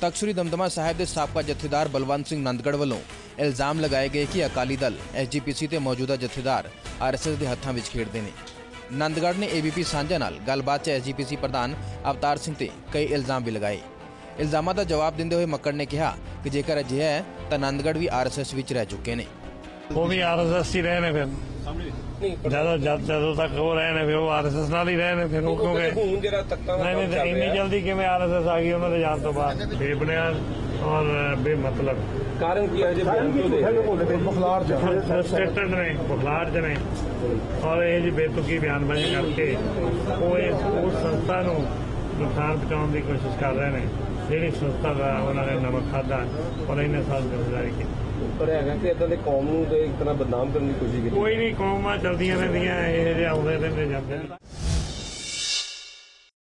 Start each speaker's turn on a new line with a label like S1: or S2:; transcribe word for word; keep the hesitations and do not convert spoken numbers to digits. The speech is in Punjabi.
S1: तख्त श्री दमदमा साहिब के साबका जथेदार बलवंत सिंह नंदगढ़ वालों इल्जाम लगाए गए कि अकाली दल एस जी पी सी ते मौजूदा जथेदार आर एस एस के हत्थों में खेडते हैं। नंदगढ़ ने ए बी पी सांझा नाल गलबात एस जी पी सी प्रधान अवतार सिंह ते कई इल्जाम भी लगाए। इल्जामां का जवाब देंदे हुए मक्कड़ ने कहा कि जेकर अजिहा है तो नंदगढ़ भी आर एस एस विच रह चुके हैं।
S2: वो भी आर एस एस ही रहे ने फिर ਜਦੋਂ ਜਦੋਂ ਤੱਕ ਉਹ ਰਹੇ ਨੇ ਫਿਰ ਉਹ ਆਰ ਐਸ ਐਸ ਨਾਲ ਹੀ ਰਹੇ ਨੇ ਫਿਰ ਉਹ ਕਿਉਂਕਿ ਨਹੀਂ ਨਹੀਂ ਇੰਨੀ ਜਲਦੀ ਕਿਵੇਂ ਆਰ ਐਸ ਐਸ ਆ ਗਈ ਉਹਨਾਂ ਦੇ ਜਾਣ ਤੋਂ ਬਾਅਦ ਬੇਬੁਨਿਆਦ ਔਰ ਬੇਮਤਲਬ
S3: ਕਾਰਨ ਕੀ ਹੈ ਜੇ ਬਿਆਨ ਕਿਉਂ ਦੇ
S2: ਬਖਲਾਰ ਚ ਸਟੇਟਡ ਨੇ ਬਖਲਾਰ ਚ ਨੇ ਔਰ ਇਹ ਜੀ ਬੇਤੁਕੀ ਬਿਆਨਬਾਜ਼ੀ ਕਰਕੇ ਉਹ ਇਸ ਉਸ ਸੰਸਥਾ ਨੂੰ ਨੁਕਸਾਨ ਪਹੁੰਚਾਉਣ ਦੀ ਕੋਸ਼ਿਸ਼ ਕਰ ਰਹੇ ਨੇ ਜਿਹੜੀ ਸੰਸਥਾ ਦਾ ਉਹਨਾਂ ਨੇ ਨਮਕ ਖਾਧਾ ਔਰ ਇੰਨੇ ਸਾਲ ਗੁਜ਼ਾਰੀ ਕੀਤੀ।
S3: ਪਰ ਹੈਗਾ ਕਿ ਇਦਾਂ ਦੇ ਕੌਮ ਨੂੰ ਤੇ ਇੱਕ ਤਰ੍ਹਾਂ ਬਦਨਾਮ ਕਰਨ ਦੀ ਕੋਸ਼ਿਸ਼ ਕੀਤੀ।
S2: ਕੋਈ ਨਹੀਂ ਕੌਮਾਂ ਚਲਦੀਆਂ ਰਹਿੰਦੀਆਂ ਇਹ ਜਿਹੇ ਆਉਂਦੇ ਰਹਿੰਦੇ ਜਾਂਦੇ ਨੇ।